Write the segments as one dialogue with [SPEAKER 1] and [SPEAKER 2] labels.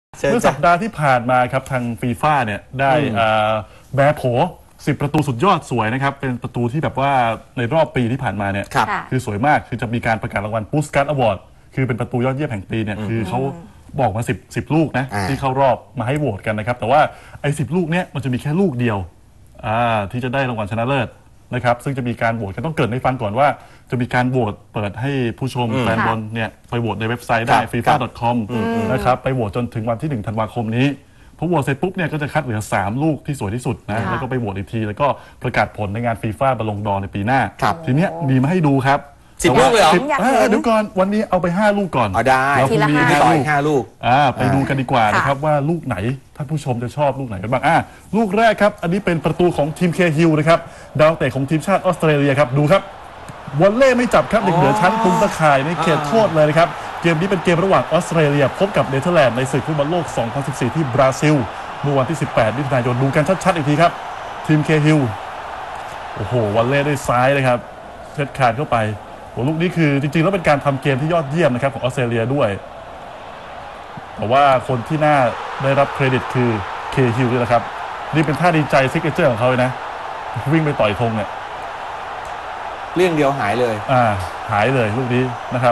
[SPEAKER 1] เมื่อสัปดาห์ที่ผ่านมาครับทางฟีฟ่าเนี่ยได้แบร์โผ10 ประตูสุดยอดสวยนะครับเป็นประตูที่แบบว่าในรอบปีที่ผ่านมาเนี่ยคือสวยมากคือจะมีการประกาศรางวัลปูสการ์ดอวอร์ดคือเป็นประตูยอดเยี่ยมแห่งปีเนี่ยคือเขาบอกมา10ลูกนะที่เข้ารอบมาให้โหวตกันนะครับแต่ว่าไอ้10 ลูกเนี้ยมันจะมีแค่ลูกเดียวที่จะได้รางวัลชนะเลิศนะครับซึ่งจะมีการโหวตกันต้องเกิดให้ฟังก่อนว่าจะมีการโหวตเปิดให้ผู้ชมแฟนบอลเนี่ยไปโหวตในเว็บไซต์ได้ fifa.com นะครับไปโหวตจนถึงวันที่1 ธันวาคมนี้พอโหวตเสร็จปุ๊บเนี่ยก็จะคัดเหลือ3 ลูกที่สวยที่สุดนะแล้วก็ไปโหวตอีกทีแล้วก็ประกาศผลในงานฟีฟ่าบอลลงดอร์ในปีหน้าทีเนี้ยมีมาให้ดูครับ
[SPEAKER 2] 10 ลูกเลยเหรอ
[SPEAKER 1] เดี๋ยวก่อนวันนี้เอาไป5 ลูกก่อน
[SPEAKER 2] ได้
[SPEAKER 1] แล้วพรุ่งนี้
[SPEAKER 2] 5 ลูก
[SPEAKER 1] ไปดูกันดีกว่านะครับว่าลูกไหนท่านผู้ชมจะชอบลูกไหนกันบ้างลูกแรกครับอันนี้เป็นประตูของทีมเคฮิลนะครับดาวเตะของทีมชาติออสเตรเลียครับดูครับวอลเล่ไม่จับครับเด็กเหนือชั้นตุงตะข่ายในเขตโทษเลยนะครับเกมนี้เป็นเกมระหว่างออสเตรเลียพบกับเนเธอร์แลนด์ในศึกฟุตบอลโลก 2014 ที่บราซิลเมื่อวันที่ 18 มิถุนายนดูกันชัดๆอีกทีครับทีมเคฮิลโอ้โหวอลเล่ด้วยซ้ายเลยครับเช็ดขาดเข้าไปลูกนี้คือจริงๆแล้วเป็นการทำเกมที่ยอดเยี่ยมนะครับของออสเตรเลียด้วยแต่ว่าคนที่น่าได้รับเครดิตคือเคฮิลนี่แหละครับนี่เป็นท่าดีใจซิกเนเจอร์ของเขาเลยนะวิ่งไปต่อยธงเนี่ย
[SPEAKER 2] เรื่องเดียวหายเลย
[SPEAKER 1] หายเลยลูกนี้นะครับ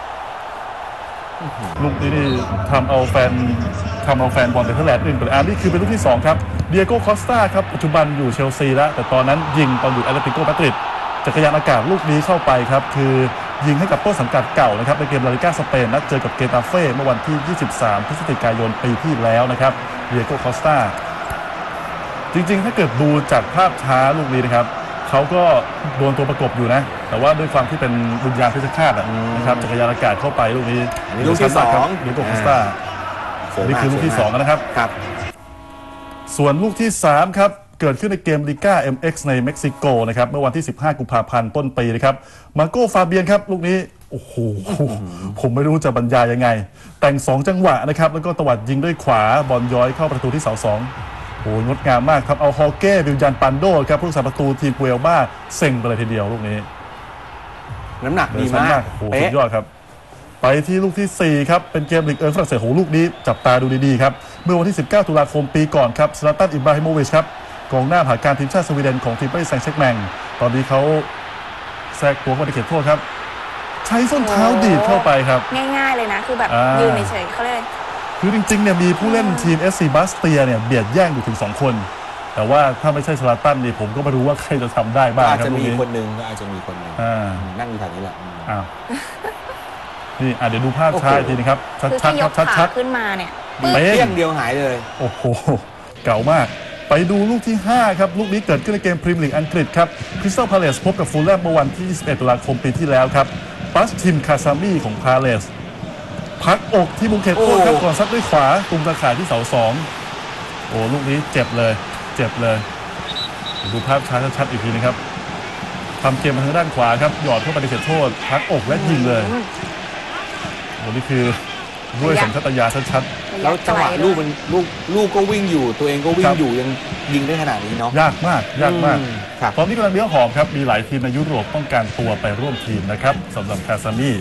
[SPEAKER 1] ลูกนี้นี่ทำเอาแฟนบอลเนเธอร์แลนด์อื่นไปเลยนี่คือเป็นลูกที่2ครับเดียโก้คอสตาครับปัจจุบันอยู่เชลซีแล้วแต่ตอนนั้นยิงตอนอยู่แอตเลติโกมาดริดจักรยานอากาศลูกนี้เข้าไปครับคือยิงให้กับต้นสังกัดเก่านะครับในเกมลาลิก้าสเปนนัดเจอกับเกตาเฟ่เมื่อวันที่ 23 พฤศจิกายนปีที่แล้วนะครับเดียโก้คอสตาจริงๆถ้าเกิดดูจากภาพช้าลูกนี้นะครับเขาก็โดนตัวประกบอยู่นะแต่ว่าด้วยความที่เป็นวิญญาณเพชฌฆาตนะครับจักรยานอากาศเข้าไปลูกนี้
[SPEAKER 2] ลูกที่2
[SPEAKER 1] เดียโก้คอสตานี่คือลูกที่2นะครับส่วนลูกที่3ครับเกิดขึ้นในเกมลิก้า MX ในเม็กซิโกนะครับเมื่อวันที่ 15 กุมภาพันธ์ต้นปีนะครับมาโก้ฟาเบียนครับลูกนี้โอ้โหผมไม่รู้จะบรรยายยังไงแต่ง2 จังหวะนะครับแล้วก็ตวัดยิงด้วยขวาบอลย้อยเข้าประตูที่เสา2โอ้งดงามมากครับเอาฮอเก้วิลยันปันโดครับผู้รักษาประตูทีมเวลบ้าเซ็งไปเลยทีเดียวลูกนี้
[SPEAKER 2] น้ำหนักดีมาก
[SPEAKER 1] โอ้สุดยอดครับไปที่ลูกที่4ครับเป็นเกมลีกฝรั่งเศสโหลูกนี้จับตาดูดีๆครับเมื่อวันที่ 19 ตุลาคมปีก่อนครับซลาตันอิบราฮิโมวิชครับกองหน้าผ่าการทีมชาติสวีเดนของทีมปารีสแซงต์แชร์กแมงตอนนี้เขาแทรกตัวเข้าไปในเขตโทษครับใช้ส้นเท้าดีดเข้าไปครับ
[SPEAKER 3] ง่ายๆเลยนะคือแบบยืนเฉยๆเขาเลย
[SPEAKER 1] คือจริงๆเนี่ยมีผู้เล่นทีม SC บาสเตียเนี่ยเบียดแย่งอยู่ถึง2 คนแต่ว่าถ้าไม่ใช่ซลาตันนี่ผมก็ไม่รู้ว่าใครจะทำได้บ้างครับ
[SPEAKER 2] อาจจะมีคนหนึ่งนั่งอยู่แถวนี้แหละ
[SPEAKER 1] นี่เดี๋ยวดูภาพช้าทีนะครับชัดๆชัด
[SPEAKER 3] ๆขึ้นมาเนี่ย
[SPEAKER 2] เปี้ยงเดียวหายเลย
[SPEAKER 1] โอ้โหเก่ามากไปดูลูกที่5ครับลูกนี้เกิดขึ้นในเกมพรีเมียร์ลีกอังกฤษครับคริสตัลพาเลซพบกับฟูลแลมเมื่อวันที่ 21 ตุลาคมปีที่แล้วครับปัสทิมคาซามีของพาเลซพักอกที่มุมเขตโทษครับก่อนซัดด้วยขวาตุงตะข่ายที่เสา2โอ้ลูกนี้เจ็บเลยดูภาพช้าชัดๆอีกทีนะครับทำเกมมาทางด้านขวาครับหยอดเข้าไปในเขตโทษพักอกและยิงเลยโอ้นี่คือด้วยสัญชาตญาณชัด
[SPEAKER 2] ๆแล้วจังหวะลูกก็วิ่งอยู่ตัวเองก็วิ่งอยู่ยังยิงได้ขนาดนี้เนาะ
[SPEAKER 1] ยากมากตอนนี้กำลังเลี้ยงหอมครับมีหลายทีมในยุโรปต้องการตัวไปร่วมทีมนะครับสำหรับคาซามี่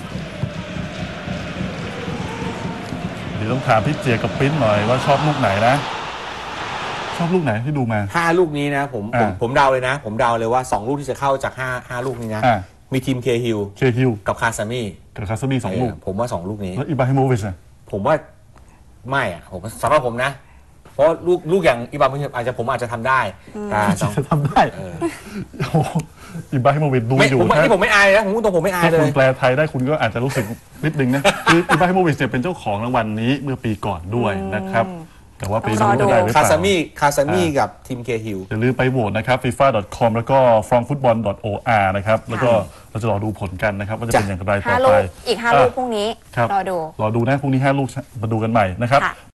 [SPEAKER 1] เดี๋ยวต้องถามพี่เจียกับปิ้นหน่อยว่าชอบลูกไหนนะชอบลูกไหนที่ดูมา
[SPEAKER 2] 5 ลูกนี้นะผมเดาเลยนะผมเดาเลยว่า2 ลูกที่จะเข้าจาก5 ลูกนี้นะมีทีมเคฮิลกับคาซามี่
[SPEAKER 1] 2 ลูก
[SPEAKER 2] ผมว่า2 ลูกนี้
[SPEAKER 1] แล้วอิบราฮิโมวิช
[SPEAKER 2] ผมว่าไม่ผมสำหรับผมนะเพราะลูกอย่างอิบราฮิโมวิชผมอาจจะทำได้
[SPEAKER 1] แต่จะทำได้อิบราฮิโมวิชดูอยู่
[SPEAKER 2] ที่ผมไม่อายนะผมไม่อายเลย
[SPEAKER 1] ถ้าคุณแปลไทยได้คุณก็อาจจะรู้สึกนิดนึงนะคืออิบราฮิโมวิชเนี่ยเป็นเจ้าของรางวัลนี้เมื่อปีก่อนด้วยนะครับแต่ว่าปีนี้จะได้หรือเปล่า
[SPEAKER 2] คาซามี่กับทีมเคฮิล
[SPEAKER 1] อย่าลืมไปโหวตนะครับ fifa.com แล้วก็ fromfootball.or นะครับแล้วก็เราจะรอดูผลกันนะครับว่าจะเป็นอย่างไรต่อไป
[SPEAKER 3] อีก5 ลูกพรุ่งนี้รอดู
[SPEAKER 1] นะพรุ่งนี้5 ลูกมาดูกันใหม่นะครับ